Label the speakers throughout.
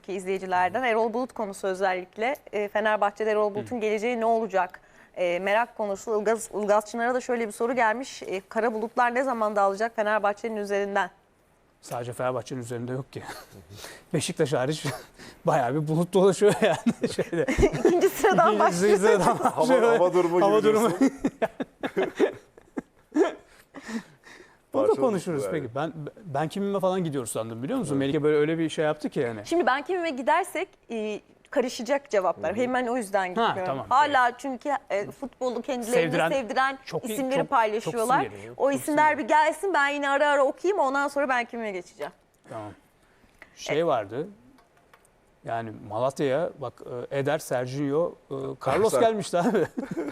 Speaker 1: çünkü izleyicilerden. Erol Bulut konusu özellikle. Fenerbahçe'de Erol Bulut'un geleceği ne olacak? Merak konusu. Ilgaz Çınar'a da şöyle bir soru gelmiş. Kara bulutlar ne zaman dağılacak Fenerbahçe'nin üzerinden?
Speaker 2: Sadece Fenerbahçe'nin üzerinde yok ki. Beşiktaş hariç bayağı bir bulut dolaşıyor yani. Şeyde.
Speaker 1: İkinci sıradan başlıyor.
Speaker 3: Hava durumu gibi diyorsun.
Speaker 2: Burada
Speaker 3: Parçalı
Speaker 2: konuşuruz
Speaker 3: yani.
Speaker 2: peki. Ben kimime falan gidiyoruz sandım biliyor musun? Melike böyle öyle bir şey yaptı ki yani.
Speaker 1: Şimdi ben kimime gidersek karışacak cevaplar. Hemen o yüzden gitmiyorum.
Speaker 2: tamam.
Speaker 1: Hala çünkü futbolu kendilerini sevdiren isimleri paylaşıyorlar.
Speaker 2: çok sinirli,
Speaker 1: O
Speaker 2: çok
Speaker 1: isimler
Speaker 2: sinirli.
Speaker 1: bir gelsin, ben yine ara ara okuyayım, ondan sonra ben kimime geçeceğim.
Speaker 2: Tamam. Şey vardı. Yani Malatya'ya bak Eder, Serginho, Carlos gelmişti abi.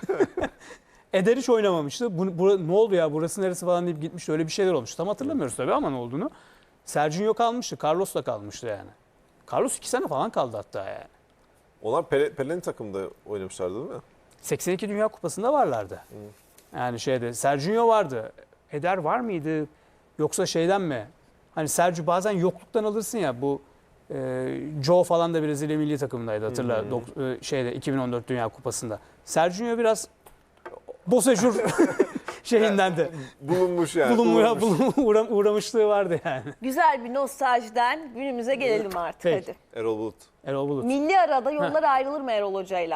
Speaker 2: Eder hiç oynamamıştı. Ne oldu ya, burası neresi falan deyip gitmişti. Öyle bir şeyler olmuştu. Tam hatırlamıyoruz tabii ama ne olduğunu. Serginho kalmıştı. Carlos da kalmıştı yani. Carlos 2 sene falan kaldı hatta yani.
Speaker 3: Onlar Pelé'nin takımda oynamışlardı değil mi?
Speaker 2: 82 Dünya Kupası'nda varlardı. Yani şeyde Serginho vardı. Eder var mıydı? Yoksa şeyden mi? Hani Sergio bazen yokluktan alırsın ya, bu Joe falan da Brezilya milli takımındaydı hatırla. Şeyde 2014 Dünya Kupası'nda. Serginho biraz Bosejur şeyinden de
Speaker 3: Bulunmuş yani.
Speaker 2: uğramışlığı vardı yani.
Speaker 1: Güzel bir nostaljiden günümüze gelelim artık
Speaker 2: Peki.
Speaker 1: hadi.
Speaker 3: Erol Bulut.
Speaker 2: Erol Bulut.
Speaker 1: Milli arada yollar ayrılır mı Erol Hoca'yla?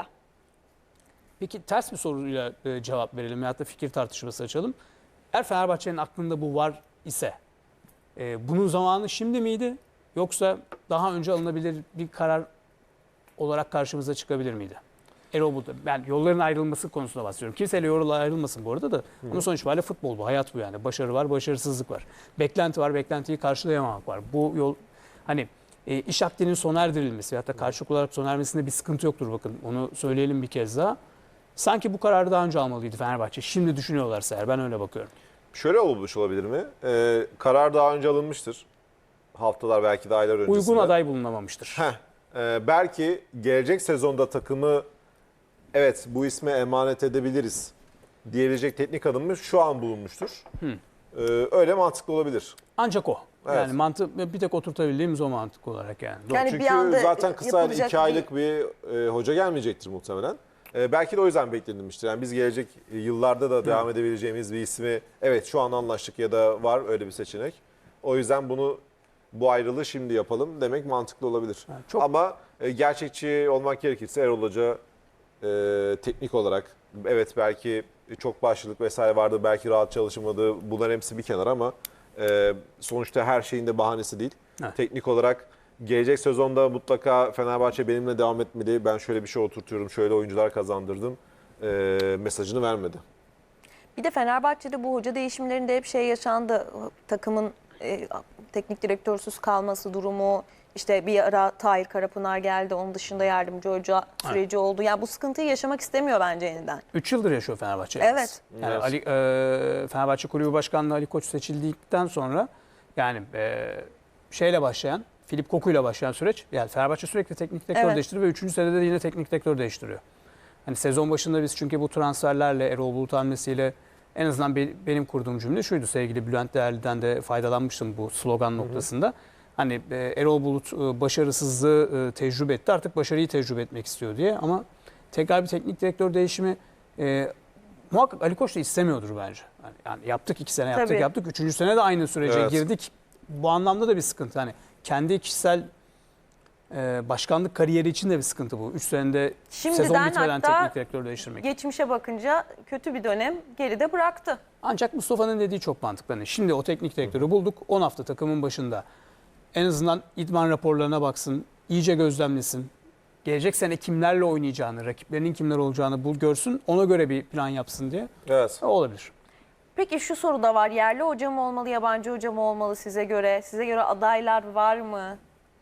Speaker 2: Peki ters bir soruyla cevap verelim ya da fikir tartışması açalım. Eğer Fenerbahçe'nin aklında bu var ise bunun zamanı şimdi miydi? Yoksa daha önce alınabilir bir karar olarak karşımıza çıkabilir miydi? Erol Bulut. Ben yolların ayrılması konusunda bahsediyorum. Kimseyle yollar ayrılmasın bu arada da. Ama sonuç itibariyle futbol bu, hayat bu yani. Başarı var, başarısızlık var. Beklenti var, beklentiyi karşılayamamak var. Bu yol hani iş akdinin sona erdirilmesi ya da karşılıklı olarak sona ermesinde bir sıkıntı yoktur bakın. Onu söyleyelim bir kez daha. Sanki bu kararı daha önce almalıydı Fenerbahçe. Şimdi düşünüyorlarsa eğer, ben öyle bakıyorum.
Speaker 3: Şöyle olmuş olabilir mi? Karar daha önce alınmıştır. Haftalar belki de aylar öncesinde.
Speaker 2: Uygun aday bulunamamıştır.
Speaker 3: Belki gelecek sezonda takımı evet bu isme emanet edebiliriz diyebilecek teknik adımı şu an bulunmuştur. Öyle mantıklı olabilir.
Speaker 2: Ancak o.
Speaker 3: Evet.
Speaker 2: Yani mantık bir tek oturtabildiğimiz o mantık olarak yani.
Speaker 1: Yani
Speaker 3: Çünkü
Speaker 1: bir anda
Speaker 3: zaten kısa
Speaker 1: yapılacak
Speaker 3: 2 aylık bir hoca gelmeyecektir muhtemelen. Belki de o yüzden beklenilmiştir. Yani biz gelecek yıllarda da devam edebileceğimiz bir ismi evet şu an anlaştık ya da var öyle bir seçenek. O yüzden bu ayrılığı şimdi yapalım demek mantıklı olabilir.
Speaker 2: çok-
Speaker 3: Ama gerçekçi olmak gerekirse Erol Hoca teknik olarak evet belki çok başlılık vesaire vardı, belki rahat çalışmadı. Bunların hepsi bir kenar ama sonuçta her şeyin de bahanesi değil.
Speaker 2: Evet.
Speaker 3: Teknik olarak gelecek sezonda mutlaka Fenerbahçe benimle devam etmeli. Ben şöyle bir şey oturtuyorum, şöyle oyuncular kazandırdım mesajını vermedi.
Speaker 1: Bir de Fenerbahçe'de bu hoca değişimlerinde hep şey yaşandı. Takımın teknik direktörsüz kalması durumu, işte bir ara Tahir Karapınar geldi. Onun dışında yardımcı hoca süreci oldu. Yani bu sıkıntıyı yaşamak istemiyor bence yeniden.
Speaker 2: 3 yıldır yaşıyor Fenerbahçe.
Speaker 1: Evet.
Speaker 2: Yani Fenerbahçe Kulübü Başkanlığı Ali Koç seçildikten sonra yani şeyle başlayan, Filip Koku'yla başlayan süreç. Yani Fenerbahçe sürekli teknik direktör değiştiriyor ve 3. senede de yine teknik direktör değiştiriyor. Hani sezon başında biz çünkü bu transferlerle, Erol Bulut hamlesiyle en azından benim kurduğum cümle şuydu. Sevgili Bülent Değerli'den de faydalanmıştım bu slogan noktasında. Hani Erol Bulut başarısızlığı tecrübe etti. Artık başarıyı tecrübe etmek istiyor diye. Ama tekrar bir teknik direktör değişimi muhakkak Ali Koç da istemiyordur bence. Yani yaptık 2 sene yaptık. 3. sene de aynı sürece girdik. Bu anlamda da bir sıkıntı. Hani kendi kişisel başkanlık kariyeri için de bir sıkıntı bu. 3 senede sezon bitmeden teknik direktör değiştirmek.
Speaker 1: Geçmişe bakınca kötü bir dönem geride bıraktı.
Speaker 2: Ancak Mustafa'nın dediği çok mantıklı. Hani şimdi o teknik direktörü bulduk. 10 hafta takımın başında. En azından idman raporlarına baksın, iyice gözlemlesin. Gelecek sene kimlerle oynayacağını, rakiplerinin kimler olacağını görsün. Ona göre bir plan yapsın diye.
Speaker 3: Evet.
Speaker 2: O olabilir.
Speaker 1: Peki şu soru da var. Yerli hoca mı olmalı, yabancı hoca mı olmalı size göre? Size göre adaylar var mı?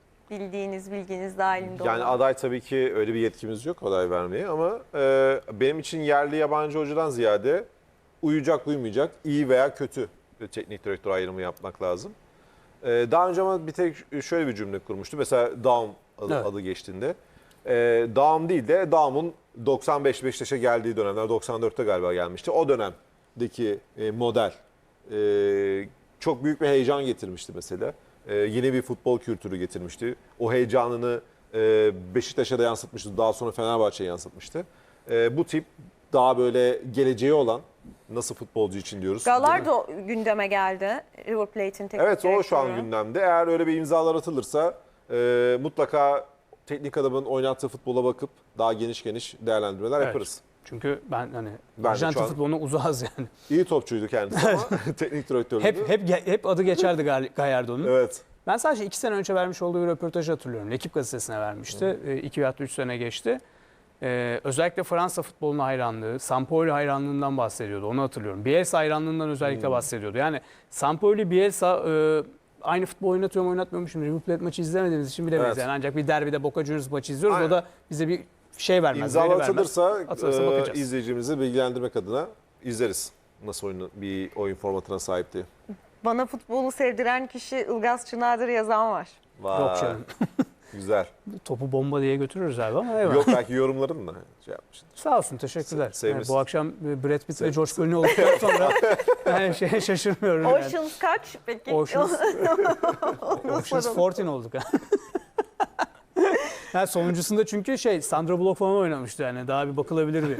Speaker 1: Bilginiz dahilinde olan.
Speaker 3: Yani aday tabii ki öyle bir yetkimiz yok aday vermeye ama benim için yerli yabancı hocadan ziyade uyacak uymayacak, iyi veya kötü bir teknik direktör ayrımı yapmak lazım. Daha önce ama bir tek şöyle bir cümle kurmuştu. Mesela Daum adı geçtiğinde. Daum değil de Daum'un 95 Beşiktaş'a geldiği dönemler, 94'te galiba gelmişti. O dönemdeki model çok büyük bir heyecan getirmişti mesela. Yeni bir futbol kültürü getirmişti. O heyecanını Beşiktaş'a da yansıtmıştı. Daha sonra Fenerbahçe'ye yansıtmıştı. Bu tip daha böyle geleceği olan, nasıl futbolcu için diyoruz.
Speaker 1: Gallardo gündeme geldi. River Plate'in teknik
Speaker 3: Evet, o şu an
Speaker 1: direktörü.
Speaker 3: gündemde. Eğer öyle bir imzalar atılırsa mutlaka teknik adamın oynattığı futbola bakıp daha geniş değerlendirmeler
Speaker 2: Evet.
Speaker 3: yaparız.
Speaker 2: Çünkü ben hani
Speaker 3: Ben de
Speaker 2: Arjantin
Speaker 3: şu an-
Speaker 2: futboluna uzağız yani.
Speaker 3: İyi topçuydu kendisi ama teknik direktörlüğü.
Speaker 2: Hep adı geçerdi Gallardo'nun.
Speaker 3: Evet.
Speaker 2: Ben sadece 2 sene önce vermiş olduğu bir röportajı hatırlıyorum. Ekip gazetesine vermişti. 2 veya 3 sene geçti. Özellikle Fransa futboluna hayranlığı, Sampaoli hayranlığından bahsediyordu. Onu hatırlıyorum. Bielsa hayranlığından özellikle bahsediyordu. Yani Sampaoli, Bielsa aynı futbol oynatıyor mu oynatmıyor mu? Şimdi River Plate maçı izlemediğimiz için bilemeyiz.
Speaker 3: Evet.
Speaker 2: Yani ancak bir derbide Boca Juniors maçı izliyoruz.
Speaker 3: Aynen.
Speaker 2: O da bize bir şey vermez.
Speaker 3: İmzalar
Speaker 2: veri vermez.
Speaker 3: atılırsa
Speaker 2: Atılırsa bakacağız.
Speaker 3: izleyicimizi bilgilendirmek adına izleriz. Nasıl bir oyun formatına sahip diye.
Speaker 1: Bana futbolu sevdiren kişi Ilgaz Çınardır yazan var.
Speaker 3: Vay,
Speaker 2: Yok canım.
Speaker 3: güzel.
Speaker 2: Topu bomba diye götürürüz abi ama eyvallah.
Speaker 3: Yok, belki yorumların da şey yapmıştır.
Speaker 2: Sağ olsun, teşekkürler.
Speaker 3: Sevmişsin.
Speaker 2: Bu akşam Brad Pitt ve George Clooney olduktan sonra yani şaşırmıyorum. Yani.
Speaker 1: Oceans kaç peki?
Speaker 2: Oceans,
Speaker 1: Onu
Speaker 2: Oceans
Speaker 1: soralım.
Speaker 2: 14 olduk. Yani sonuncusunda çünkü Sandra Bullock falan oynamıştı yani. Daha bir bakılabilir bir.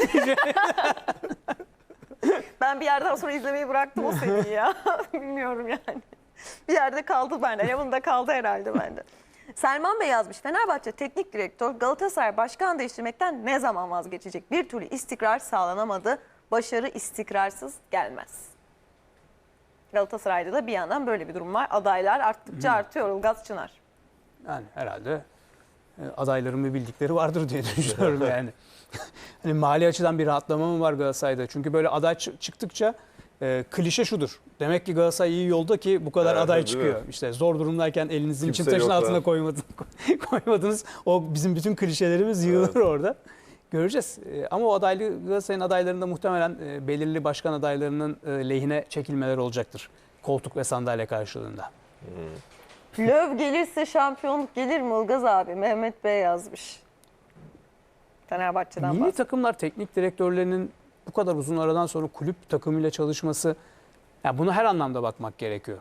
Speaker 1: Ben bir yerden sonra izlemeyi bıraktım o seriyi ya. Bilmiyorum yani. Bir yerde kaldı bende. Yanımda kaldı herhalde bende. Selman Bey yazmış. Fenerbahçe teknik direktör Galatasaray başkan değiştirmekten ne zaman vazgeçecek? Bir türlü istikrar sağlanamadı. Başarı istikrarsız gelmez. Galatasaray'da da bir yandan böyle bir durum var. Adaylar arttıkça artıyor. Ilgaz Çınar.
Speaker 2: Yani herhalde adayların bir bildikleri vardır diye düşünüyorum yani. Hani mali açıdan bir rahatlama mı var Galatasaray'da? Çünkü böyle aday çıktıkça klişe şudur. Demek ki Galatasaray iyi yolda ki bu kadar
Speaker 3: Evet,
Speaker 2: aday
Speaker 3: değil
Speaker 2: çıkıyor.
Speaker 3: mi?
Speaker 2: İşte zor durumdayken elinizin
Speaker 3: Kimse
Speaker 2: çim taşın
Speaker 3: yok
Speaker 2: altına
Speaker 3: da.
Speaker 2: koymadınız. O bizim bütün klişelerimiz yığılır orada. Göreceğiz. Ama o Galatasaray'ın adaylarında muhtemelen belirli başkan adaylarının lehine çekilmeler olacaktır. Koltuk ve sandalye karşılığında.
Speaker 1: Löw gelirse şampiyonluk gelir mi Ilgaz abi? Mehmet Bey yazmış. Fenerbahçe'den
Speaker 2: Milli
Speaker 1: bahsediyor.
Speaker 2: takımlar teknik direktörlerinin bu kadar uzun aradan sonra kulüp takımıyla çalışması, yani bunu her anlamda bakmak gerekiyor.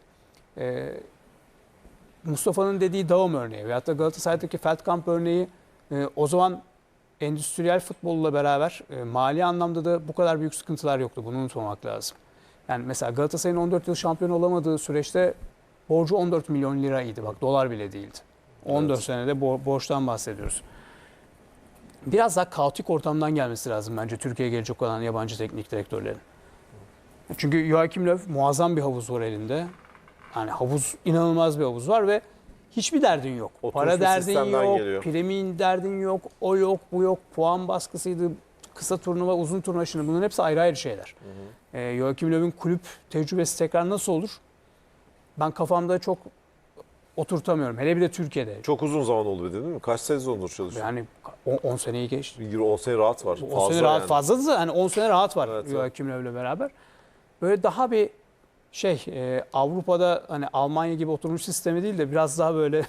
Speaker 2: Mustafa'nın dediği Daum örneği veyahut da Galatasaray'daki Feldkamp örneği o zaman endüstriyel futbolla beraber mali anlamda da bu kadar büyük sıkıntılar yoktu. Bunu unutmamak lazım. Yani mesela Galatasaray'ın 14 yıl şampiyon olamadığı süreçte borcu 14 milyon liraydı. Bak, dolar bile değildi. 14
Speaker 3: Evet.
Speaker 2: senede borçtan bahsediyoruz. Biraz daha kaotik ortamdan gelmesi lazım bence Türkiye'ye gelecek olan yabancı teknik direktörlerin. Çünkü Joachim Löw muazzam bir havuz var elinde. Yani inanılmaz bir havuz var ve hiçbir derdin yok.
Speaker 3: Oturmuş
Speaker 2: Para
Speaker 3: bir
Speaker 2: derdin
Speaker 3: sistemden
Speaker 2: yok,
Speaker 3: geliyor.
Speaker 2: primin derdin yok, o yok, bu yok, puan baskısıydı, kısa turnuva, uzun turnuva, şimdi bunların hepsi ayrı ayrı şeyler. Joachim Löw'ün kulüp tecrübesi tekrar nasıl olur? Ben kafamda çok oturtamıyorum. Hele bir de Türkiye'de.
Speaker 3: Çok uzun zaman oldu değil mi? Kaç sezondur çalışıyor?
Speaker 2: Yani 10 seneyi geçti.
Speaker 3: 10 sene rahat var.
Speaker 2: 10 sene rahat
Speaker 3: yani.
Speaker 2: fazladı da hani 10 sene rahat var
Speaker 3: Evet,
Speaker 2: Joachim Löw'le beraber. Böyle daha bir Avrupa'da hani Almanya gibi oturmuş sistemi değil de biraz daha böyle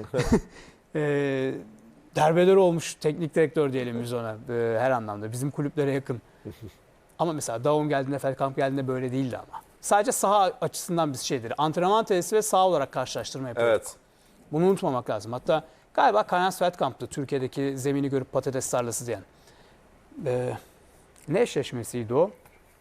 Speaker 2: derbeder olmuş teknik direktör diyelim biz ona her anlamda. Bizim kulüplere yakın. Ama mesela Daum geldiğinde, Feldkamp geldiğinde böyle değildi ama. Sadece saha açısından bir şeydir. Antrenman tesisi ve saha olarak karşılaştırma yapıyorduk.
Speaker 3: Evet.
Speaker 2: Bunu unutmamak lazım. Hatta galiba Kayans Feldkamp'tı Türkiye'deki zemini görüp patates tarlası diyen. Ne eşleşmesiydi o?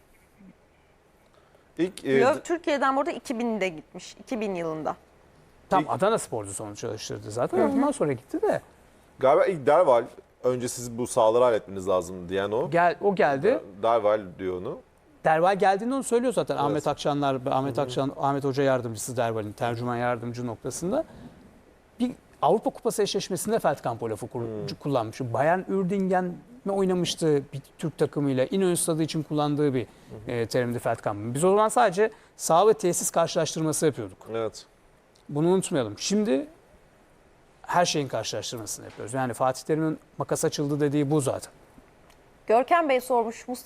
Speaker 3: İlk
Speaker 1: Löw Türkiye'den burada 2000'de gitmiş. 2000 yılında.
Speaker 2: Tam
Speaker 3: İlk-
Speaker 2: Adana Spor'du sonuç çalıştırdı zaten. Ondan sonra gitti de.
Speaker 3: galiba ilk Derval, önce siz bu sahaları halletmeniz lazım diyen o.
Speaker 2: O geldi.
Speaker 3: Derval diyor onu.
Speaker 2: Derval geldiğinde onu söylüyor zaten.
Speaker 3: Evet.
Speaker 2: Ahmet Akçanlar, Ahmet Hoca yardımcısı Derval'in tercüman yardımcı noktasında. Bir Avrupa Kupası eşleşmesinde Feldkamp o lafı kullanmış. Bayern Uerdingen mi oynamıştı bir Türk takımıyla? İnönü Stadı için kullandığı bir terimdi Feldkamp'ın. Biz o zaman sadece saha ve tesis karşılaştırması yapıyorduk.
Speaker 3: Evet.
Speaker 2: Bunu unutmayalım. Şimdi her şeyin karşılaştırmasını yapıyoruz. Yani Fatih Terim'in makas açıldı dediği bu zaten.
Speaker 1: Görkem Bey sormuş.